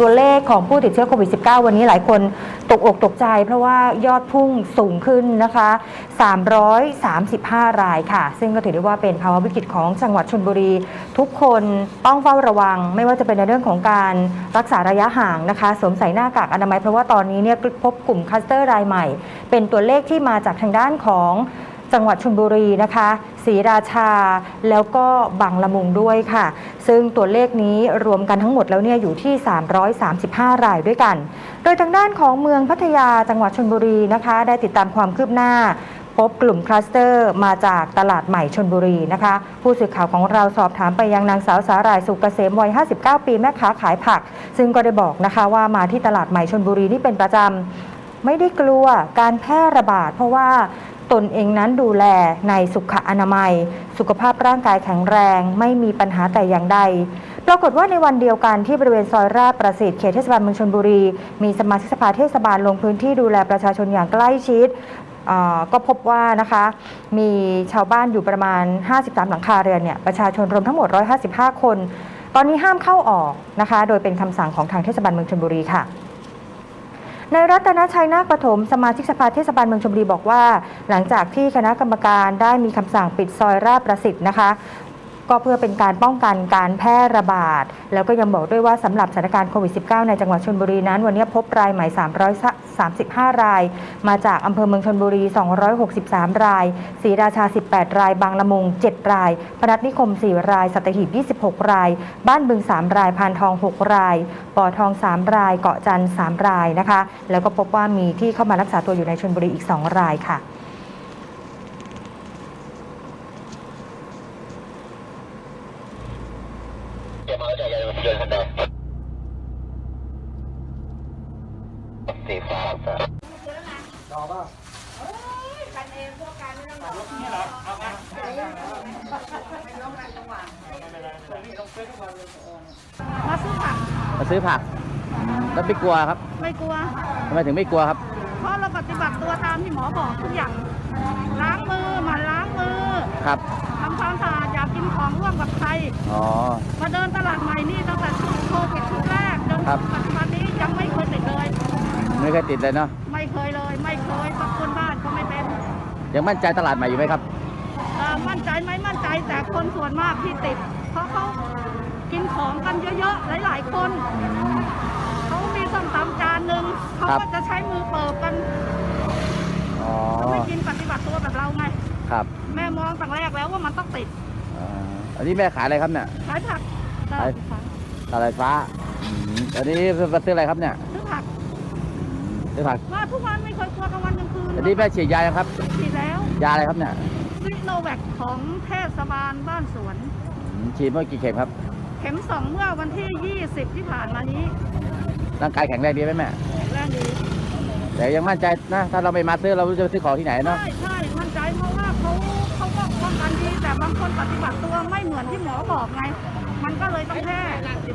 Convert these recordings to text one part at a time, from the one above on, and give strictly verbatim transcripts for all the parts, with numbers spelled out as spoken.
ตัวเลขของผู้ติดเชื้อโควิด สิบเก้า วันนี้หลายคนตกอกตกใจเพราะว่ายอดพุ่งสูงขึ้นนะคะสามร้อยสามสิบห้ารายค่ะซึ่งก็ถือได้ว่าเป็นภาวะวิกฤตของจังหวัดชลบุรีทุกคนต้องเฝ้าระวังไม่ว่าจะเป็นในเรื่องของการรักษาระยะห่างนะคะสวมใส่หน้ากากอนามัยเพราะว่าตอนนี้เนี่ยพบกลุ่มคลัสเตอร์รายใหม่เป็นตัวเลขที่มาจากทางด้านของจังหวัดชลบุรีนะคะศรีราชาแล้วก็บางละมุงด้วยค่ะซึ่งตัวเลขนี้รวมกันทั้งหมดแล้วเนี่ยอยู่ที่สามร้อยสามสิบห้ารายด้วยกันโดยทางด้านของเมืองพัทยาจังหวัดชลบุรีนะคะได้ติดตามความคืบหน้าพบกลุ่มคลัสเตอร์มาจากตลาดใหม่ชลบุรีนะคะผู้สื่อข่าวของเราสอบถามไปยังนางสาวสาหร่ายสุกเกษมวัยห้าสิบเก้าปีแม่ค้าขายผักซึ่งก็ได้บอกนะคะว่ามาที่ตลาดใหม่ชลบุรีนี่เป็นประจำไม่ได้กลัวการแพร่ระบาดเพราะว่าตนเองนั้นดูแลในสุขอนามัยสุขภาพร่างกายแข็งแรงไม่มีปัญหาแต่อย่างใดปรากฏว่าในวันเดียวกันที่บริเวณซอยราชประสิทธิ์เขตเทศบาลเมืองชลบุรีมีสมาชิกสภาเทศบาลลงพื้นที่ดูแลประชาชนอย่างใกล้ชิดก็พบว่านะคะมีชาวบ้านอยู่ประมาณห้าสิบสามหลังคาเรือนเนี่ยประชาชนรวมทั้งหมดหนึ่งร้อยห้าสิบห้าคนตอนนี้ห้ามเข้าออกนะคะโดยเป็นคำสั่งของทางเทศบาลเมืองชลบุรีค่ะในรัตนชัยนาคปฐมสมาชิกสภาเทศบาลเมืองชลบุรีบอกว่าหลังจากที่คณะกรรมการได้มีคำสั่งปิดซอยราชประสิทธิ์นะคะก็เพื่อเป็นการป้องกันการแพร่ระบาดแล้วก็ยังบอกด้วยว่าสำหรับสถานการณ์โควิด สิบเก้า ในจังหวัดชลบุรีนั้นวันนี้พบรายใหม่สามร้อยสามสิบห้ารายมาจากอำเภอเมืองชลบุรีสองร้อยหกสิบสามรายศรีราชาสิบแปดรายบางละมุงเจ็ดรายพนัสนิคมสี่รายสัตหีบยี่สิบหกรายบ้านบึงสามรายพานทองหกรายบ่อทองสามรายเกาะจันทร์สามรายนะคะแล้วก็พบว่ามีที่เข้ามารักษาตัวอยู่ในชลบุรีอีกสองรายค่ะสีฟ้าครับรอป่ะกันเองพวกกันไม่ต้องรอนี่เหรอเอามามาซื้อผักมาซื้อผักแล้วไม่กลัวครับไม่กลัวทำไมถึงไม่กลัวครับเพราะเราปฏิบัติตัวตามที่หมอบอกทุกอย่างล้างมือมาล้างมือครับทำความสะอาดอย่ากินของร่วมกับใครอ๋อมาเดินตลาดใหม่นี่ตั้งแต่ช่วงโควิดชุดแรกจนปัจจุบันนี้ยังไม่เคยติดเลยไม่เคยติดเลยเนาะไม่เคยเลยไม่เคยสักคนบ้านก็ไม่เป็นยังมั่นใจตลาดใหม่อยู่ไหมครับมั่นใจไหมมั่นใจแต่คนส่วนมากที่ติดเพราะเขากินของกันเยอะๆหลายๆคนเขามีส้มตำจานหนึ่งเขาก็จะใช้มือเปิบกันเขาไม่กินปฏิบัติตัวแบบเราไงครับแม่มองตั้งแรกแล้วว่ามันต้องติดอันนี้แม่ขายอะไรครับเนี่ยขายผักขายตลาดฟ้าอันนี้มาซื้ออะไรครับเนี่ยซื้อผักซื้อผักมาทุกวันไม่เคยกลัวกลางวันกลางคืนอันนี้แม่ฉีดยาครับฉีดแล้วยาอะไรครับเนี่ยซิโนแวคของเทศบาลบ้านสวนฉีดเมื่อกี่เข็มครับเข็มสองเมื่อวันที่ยี่สิบที่ผ่านมานี้ร่างกายแข็งแรงดีไหมแม่แรงดีแต่ยังมั่นใจนะถ้าเราไม่มาซื้อเราจะซื้อของที่ไหนเนาะใช่ใช่มั่นใจเพราะว่าเขาเขาก็ป้องกันดีแต่บางคนปฏิบัติตัวไม่เหมือนที่หมอบอกไงมันก็เลยต้องแพร่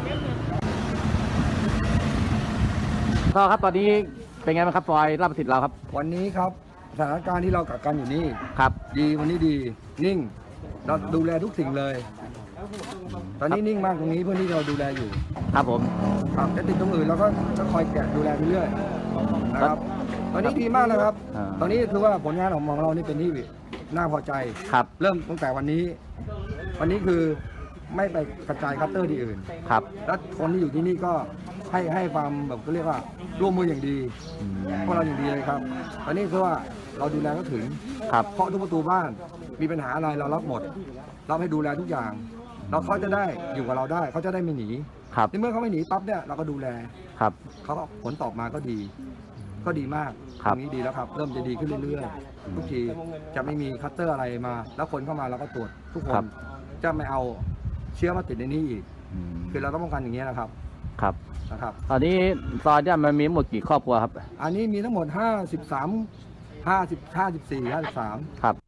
ก็ครับตอนนี้เป็นไงบ้างครับฟอยราชประสิทธิ์เราครับวันนี้ครับสถานการณ์ที่เรากักกันอยู่นี่ครับดีวันนี้ดีนิ่งเราดูแลทุกสิ่งเลยตอนนี้นิ่งมากตรงนี้เพื่อที่เราดูแลอยู่ครับผมครับแต่ติดตรงอื่นเราก็จะคอยแกะดูแลไปเรื่อยนะครับตอนนี้ดีมากนะครับตอนนี้คือว่าผลงานของเรานี่เป็นที่น่าพอใจครับเริ่มตั้งแต่วันนี้วันนี้คือไม่ไปกระจายคัตเตอร์ที่อื่นครับแล้วคนที่อยู่ที่นี่ก็ให้ให้ความแบบก็เรียกว่าร่วมมืออย่างดีพวกเราอย่างดีเลยครับตอนนี้คือว่าเราดูแลก็ถึงครับเคาะทุกประตูบ้านมีปัญหาอะไรเรารับหมดเราให้ดูแลทุกอย่างเราเขาจะได้อยู่กับเราได้เขาจะได้ไม่หนีครับเมื่อเขาไม่หนีปั๊บเนี่ยเราก็ดูแลครับเขาผลตอบมาก็ดีก็ดีมากตรงนี้ดีแล้วครับเริ่มจะดีขึ้นเรื่อยๆทุกทีจะไม่มีคัตเตอร์อะไรมาแล้วคนเข้ามาเราก็ตรวจทุกคนจะไม่เอาเชื้อมาติดในนี้อีกคือเราต้องป้องกันอย่างนี้นะครับครับนะครับตอนนี้ซอยเนี่ยมันมีหมดกี่ครอบครัวครับอันนี้มีทั้งหมดห้าสิบสาม ห้าสิบ ห้าสิบสี่ ห้าสิบสามครับ